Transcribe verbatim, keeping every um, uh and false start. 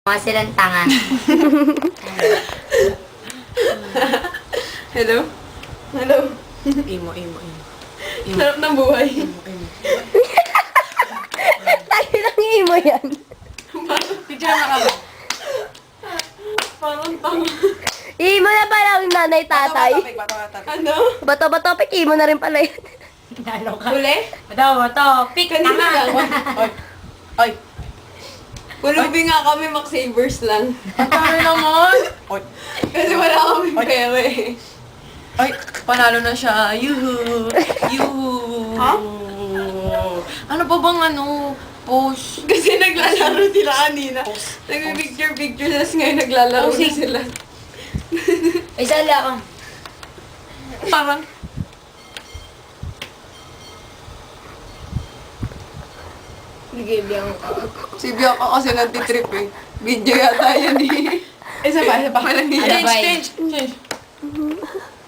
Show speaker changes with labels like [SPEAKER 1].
[SPEAKER 1] Mga silang tanga.
[SPEAKER 2] Hello? Hello?
[SPEAKER 3] Imo, imo, imo. Imo.
[SPEAKER 2] Sarap ng buhay.
[SPEAKER 3] Imo, imo.
[SPEAKER 4] Tayo lang imo yan.
[SPEAKER 3] Picture na kami.
[SPEAKER 2] Parang tanga.
[SPEAKER 4] Imo na pala ang nanay tatay.
[SPEAKER 3] Topic, bato, bato, topic.
[SPEAKER 2] Ano?
[SPEAKER 4] Bato ba topic? Imo na rin pala yun.
[SPEAKER 1] Nalo ka.
[SPEAKER 2] Huli?
[SPEAKER 1] Bato, bato. Pick
[SPEAKER 2] Kanina
[SPEAKER 1] tanga.
[SPEAKER 2] lang.
[SPEAKER 3] Oy. Oy.
[SPEAKER 2] Pulubi nga kami, Max Savers lang.
[SPEAKER 3] Ang dami naman. Oy.
[SPEAKER 2] Kasi wala kami
[SPEAKER 3] Ay.
[SPEAKER 2] pera eh.
[SPEAKER 3] Ay, panalo na siya. Yuhu. Yuhu.
[SPEAKER 2] Ha?
[SPEAKER 3] Ano pa bang ano? Post.
[SPEAKER 2] Kasi naglalaro sila kanina. Nagpipicture-picture, tapos ngayon naglalaro na
[SPEAKER 3] Posing.
[SPEAKER 2] sila.
[SPEAKER 1] Ay, sala ka.
[SPEAKER 3] Parang.
[SPEAKER 2] Sige, biyan ko. Si Bianca kasi nagtitrip eh. Video yata yun eh. Isa pa, isa pa. Walang
[SPEAKER 3] Change,
[SPEAKER 1] Bye.
[SPEAKER 3] change, change.